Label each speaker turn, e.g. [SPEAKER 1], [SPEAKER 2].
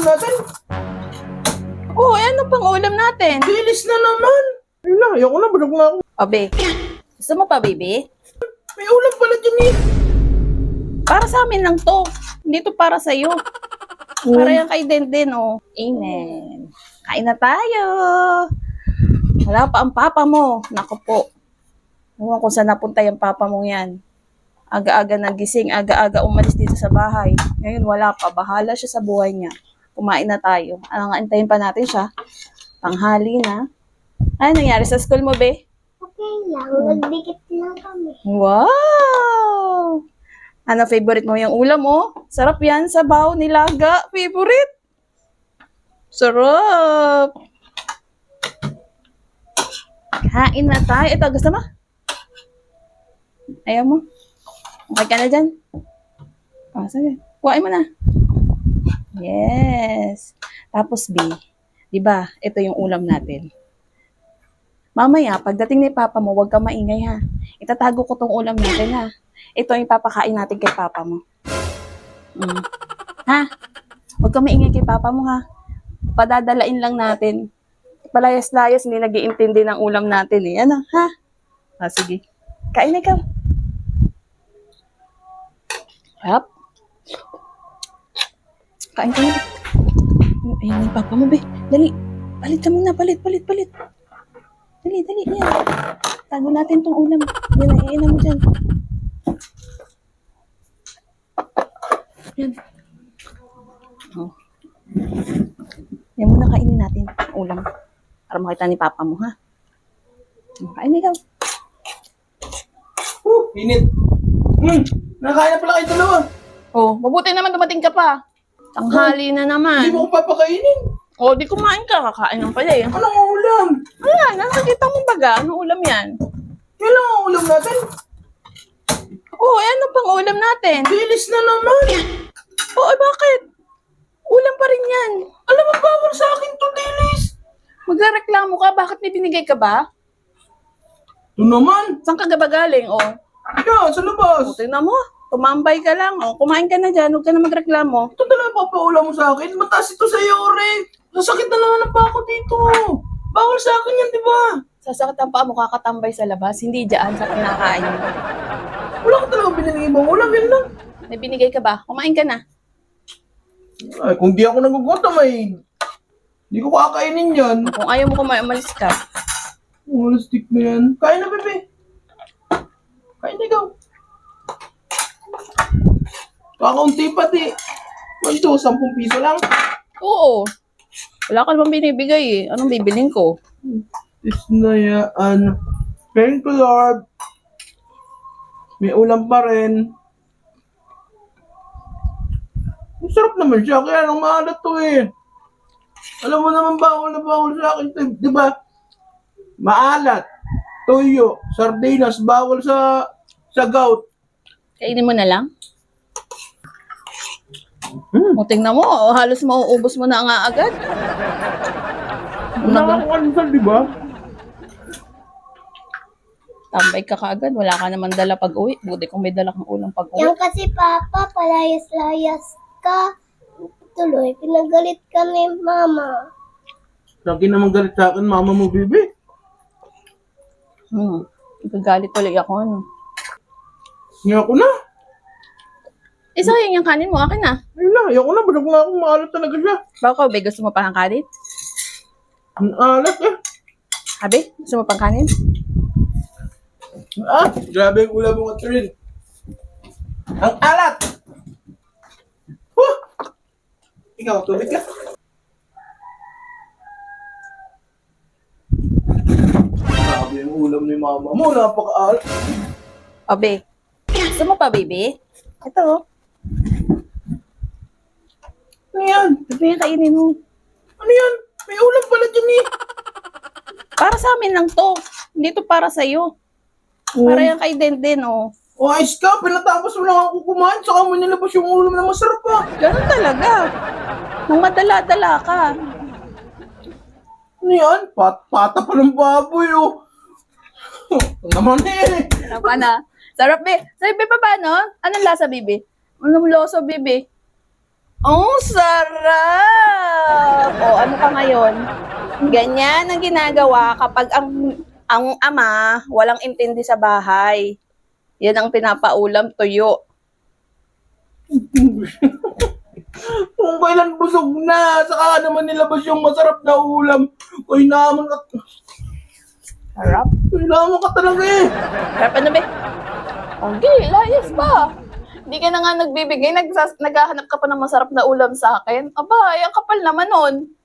[SPEAKER 1] natin?
[SPEAKER 2] Oh, ano pang ulam natin?
[SPEAKER 1] Bilis na naman. Ayun na, ayoko na, bulog na ako.
[SPEAKER 2] Abe, gusto mo pa, baby?
[SPEAKER 1] May ulam pala dyan eh.
[SPEAKER 2] Para sa amin lang to. Hindi to para sa'yo. Para yan kay Denden, oh. Amen. Kain na tayo. Wala pa ang papa mo. Naku po. Ewan kung saan napunta yung papa mo yan. Aga-aga nagising, aga-aga umalis dito sa bahay. Ngayon wala pa. Bahala siya sa buhay niya. Kumain na tayo. Anong antayin pa natin siya? Tanghali na. Ano nangyari sa school mo, be?
[SPEAKER 3] Okay lang, nagdikit lang kami.
[SPEAKER 2] Wow! Ano favorite mo yung ulam mo? Sarap yan, sabaw, nilaga. Favorite? Sarap! Kain na tayo. Ito, gusto mo? Ayaw mo? Okay ka na dyan? Oh, sige. Kuhain mo na. Yes. Tapos, B, di ba, ito yung ulam natin. Mamaya, pagdating ni Papa mo, huwag ka maingay ha. Itatago ko tong ulam natin ha. Ito yung papakain natin kay Papa mo. Ha? Huwag ka maingay kay Papa mo ha. Padadalain lang natin. Palayas-layas, hindi nag-iintindi ng ulam natin eh. Ano, ha? Sige. Kain na ikaw. Yap. Kain ka na. Ayun yung Papa mo, be. Dali. Palit ka muna. Palit. Dali. Yan. Tago natin tong ulam. Yan, iinan mo dyan. Yan. Oh. Yan muna kainin natin ang ulam. Para makita ni Papa mo, ha? Kain ikaw.
[SPEAKER 1] Init. Nakain na pala kayo dalawa.
[SPEAKER 2] Oh, mabuti naman dumating ka pa. Tanghali na
[SPEAKER 1] Hindi
[SPEAKER 2] naman.
[SPEAKER 1] mo ko papakainin.
[SPEAKER 2] Oh, di kumain ka. Kakain lang pala eh.
[SPEAKER 1] Anong ulam?
[SPEAKER 2] Ayan, nakakita mo baga. Anong ulam yan?
[SPEAKER 1] Yan lang ang ulam natin.
[SPEAKER 2] Oh, ano pang ulam natin?
[SPEAKER 1] Bilis na naman.
[SPEAKER 2] Oh, bakit? Ulam pa rin yan.
[SPEAKER 1] Alam mo, bawal sa akin to, Dilis.
[SPEAKER 2] Magreklamo ka? Bakit may binigay ka ba?
[SPEAKER 1] Ito naman.
[SPEAKER 2] Saan ka ba galing? Oh,
[SPEAKER 1] Yan, sa labas.
[SPEAKER 2] tingnan mo. Tumambay ka lang. Oh, kumain ka na dyan. Huwag ka na magreklamo.
[SPEAKER 1] Ito talaga papaulam mo sa akin. Mataas ito sa iyo, Ore. Sasakit na naman ang pako dito. Bawal sa akin yan, di ba?
[SPEAKER 2] Sasakit ang paa mo kakatambay sa labas. Hindi dyan sa kinakain mo.
[SPEAKER 1] Wala ka talaga binigay ibang ulam, yan lang.
[SPEAKER 2] May binigay ka ba? Kumain ka na.
[SPEAKER 1] Ay, kung di ako nagugutom ay di ko kakainin yan.
[SPEAKER 2] Kung ayaw mo kumain, umalis ka.
[SPEAKER 1] Wala stick na yan. Kain na, bebe. Kain na ikaw. Kakaunti pati. Ito, 10 piso lang.
[SPEAKER 2] Oo. Wala ka naman binibigay eh. Anong bibiling ko?
[SPEAKER 1] Isnayaan. Thank you, Lord. May ulam pa rin. Masarap naman siya, kaya lang maalat to eh. Alam mo naman bawal na bawal sa akin to, di ba? Maalat, tuyo, sardinas, bawal sa gout.
[SPEAKER 2] Kainin mo na lang? O, tingnan mo. Halos mauubos mo na nga agad.
[SPEAKER 1] Wala akong almusal, di ba?
[SPEAKER 2] Tambay ka kaagad. Wala ka naman dala pag-uwi. Buti kung may dala kang ulang pag-uwi.
[SPEAKER 3] Yan kasi Papa, palayas-layas ka. Tuloy, pinagalit ka ni Mama.
[SPEAKER 1] Lagi naman galit sa akin, mama mo, bibi.
[SPEAKER 2] Nagagalit tuloy ako, ano.
[SPEAKER 1] Ngayon ko na.
[SPEAKER 2] Isa yung kanin mo. Akin na.
[SPEAKER 1] Ayun na, ayoko na, bulog na ako, maalat talaga siya.
[SPEAKER 2] Baka ba gusto mo pa ng kanin?
[SPEAKER 1] Ang alat eh.
[SPEAKER 2] Abi, gusto mo pang kanin?
[SPEAKER 1] Ah, grabe yung ulam mo, Catherine. Ang alat! Huh! Ikaw, tubig ka. Grabe yung ulam ni mama mo, napaka-alat.
[SPEAKER 2] Abi, gusto mo pa, baby? Ito, oh.
[SPEAKER 1] Ano yan?
[SPEAKER 2] Ito yung kainin mo.
[SPEAKER 1] Ano yan? May ulam pala dyan eh.
[SPEAKER 2] Para sa amin lang to. Hindi to para sa'yo. Para yan kay Denden, oh.
[SPEAKER 1] O ayos ka, pinatapos mo lang ako kumain, saka mo nilabas yung ulam na masarap pa.
[SPEAKER 2] Ganun talaga. Nung madala-dala ka.
[SPEAKER 1] Ano yan? Pata pa ng baboy oh. Ang naman eh.
[SPEAKER 2] Sarap ka na. Sarap, be. Sarap, be, pa paano? Anong lasa, bibi? Anong lasa, bibi? Oh, sarap! ka ngayon. Ganyan ang ginagawa kapag ang ama walang intindi sa bahay. Yan ang pinapaulam, tuyo.
[SPEAKER 1] Kung kailan busog na, saka naman nilabas yung masarap na ulam. Uy, naman ka.
[SPEAKER 2] Harap.
[SPEAKER 1] Uy, naman ka talaga eh.
[SPEAKER 2] Harap ano ba? Okay, layas pa. Hindi ka na nga nagbibigay, naghahanap ka pa ng masarap na ulam sa akin. Aba, ay ang kapal naman nun.